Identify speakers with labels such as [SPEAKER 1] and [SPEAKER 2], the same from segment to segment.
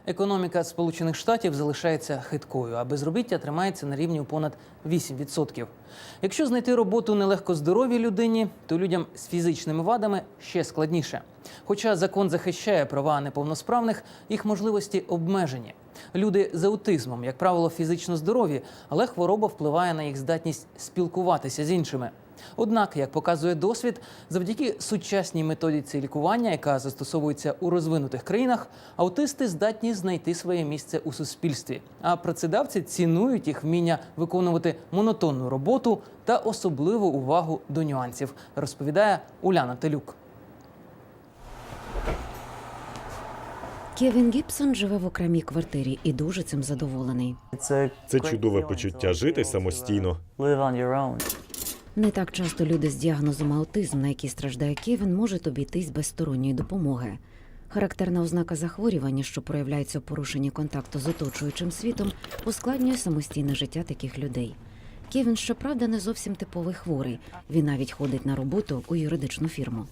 [SPEAKER 1] Економіка Сполучених Штатів залишається хиткою, а безробіття тримається на рівні у понад 8%. Якщо знайти роботу нелегко здоровій людині, то людям з фізичними вадами ще складніше. Хоча закон захищає права неповносправних, їх можливості обмежені. Люди з аутизмом, як правило, фізично здорові, але хвороба впливає на їх здатність спілкуватися з іншими. Однак, як показує досвід, завдяки сучасній методиці лікування, яка застосовується у розвинутих країнах, аутисти здатні знайти своє місце у суспільстві. А працедавці цінують їх вміння виконувати монотонну роботу та особливу увагу до нюансів, розповідає Уляна Телюк.
[SPEAKER 2] Кевін Гібсон живе в окремій квартирі і дуже цим задоволений.
[SPEAKER 3] Це чудове почуття жити самостійно.
[SPEAKER 2] Не так часто люди з діагнозом аутизм, на який страждає Кевін, можуть обійтись без сторонньої допомоги. Характерна ознака захворювання, що проявляється у порушенні контакту з оточуючим світом, ускладнює самостійне життя таких людей. Кевін, щоправда, не зовсім типовий хворий. Він навіть ходить на роботу у юридичну фірму.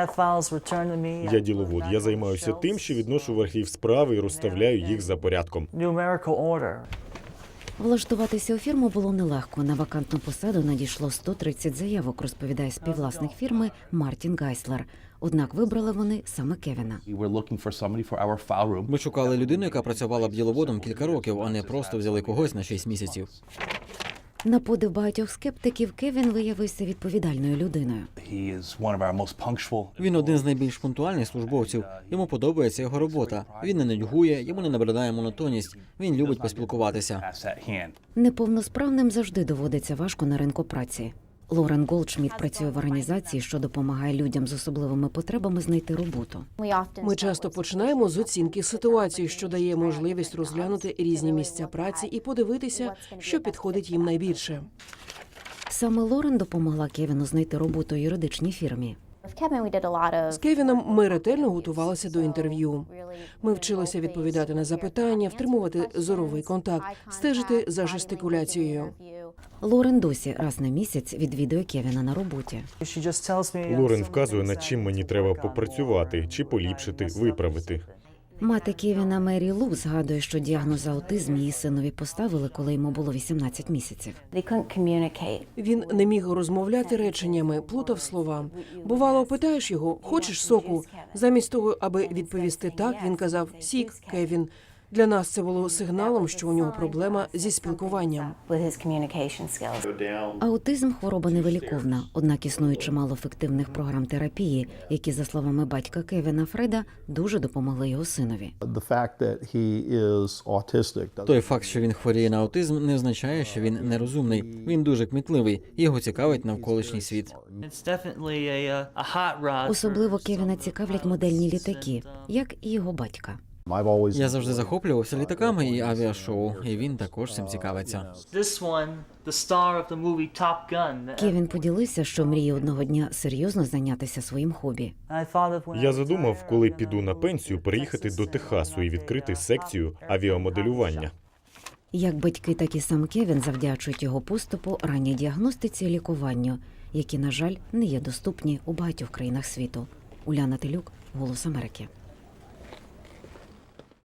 [SPEAKER 3] Я діловод. Я займаюся тим, що відношу в архів справи і розставляю їх за порядком.
[SPEAKER 2] Влаштуватися у фірму було нелегко. На вакантну посаду надійшло 130 заявок, розповідає співвласник фірми Мартін Гайслер. Однак вибрали вони саме Кевіна.
[SPEAKER 4] Ми шукали людину, яка працювала б діловодом кілька років, а не просто взяли когось на 6 місяців.
[SPEAKER 2] На подив багатьох скептиків, Кевін виявився відповідальною людиною.
[SPEAKER 4] Він один з найбільш пунктуальних службовців. Йому подобається його робота. Він не нудьгує, йому не набридає монотонність. Він любить поспілкуватися.
[SPEAKER 2] Неповносправним завжди доводиться важко на ринку праці. Лорен Голдшміт працює в організації, що допомагає людям з особливими потребами знайти роботу.
[SPEAKER 5] Ми часто починаємо з оцінки ситуації, що дає можливість розглянути різні місця праці і подивитися, що підходить їм найбільше.
[SPEAKER 2] Саме Лорен допомогла Кевіну знайти роботу у юридичній фірмі.
[SPEAKER 5] З Кевіном ми ретельно готувалися до інтерв'ю. Ми вчилися відповідати на запитання, втримувати зоровий контакт, стежити за жестикуляцією.
[SPEAKER 2] Лорен досі раз на місяць відвідує Кевіна на роботі.
[SPEAKER 3] Лорен вказує, над чим мені треба попрацювати, чи поліпшити, виправити.
[SPEAKER 2] Мати Кевіна Мері Лу згадує, що діагноз аутизм її синові поставили, коли йому було 18 місяців.
[SPEAKER 5] Він не міг розмовляти реченнями, плутав слова. Бувало, питаєш його, хочеш соку? Замість того, аби відповісти так, він казав «Сік, Кевін». Для нас це було сигналом, що у нього проблема зі спілкуванням.
[SPEAKER 2] Аутизм – хвороба невиліковна, однак існує чимало ефективних програм терапії, які, за словами батька Кевіна Фреда, дуже допомогли його синові.
[SPEAKER 4] Той факт, що він хворіє на аутизм, не означає, що він нерозумний. Він дуже кмітливий, і його цікавить навколишній світ.
[SPEAKER 2] Особливо Кевіна цікавлять модельні літаки, як і його батька.
[SPEAKER 4] Я завжди захоплювався літаками і авіашоу, і він також цим цікавиться.
[SPEAKER 2] Кевін поділився, що мріє одного дня серйозно зайнятися своїм хобі.
[SPEAKER 3] Я задумав, коли піду на пенсію, переїхати до Техасу і відкрити секцію авіамоделювання.
[SPEAKER 2] Як батьки, так і сам Кевін завдячують його поступу ранній діагностиці і лікуванню, які, на жаль, не є доступні у багатьох країнах світу. Уляна Телюк, «Голос Америки».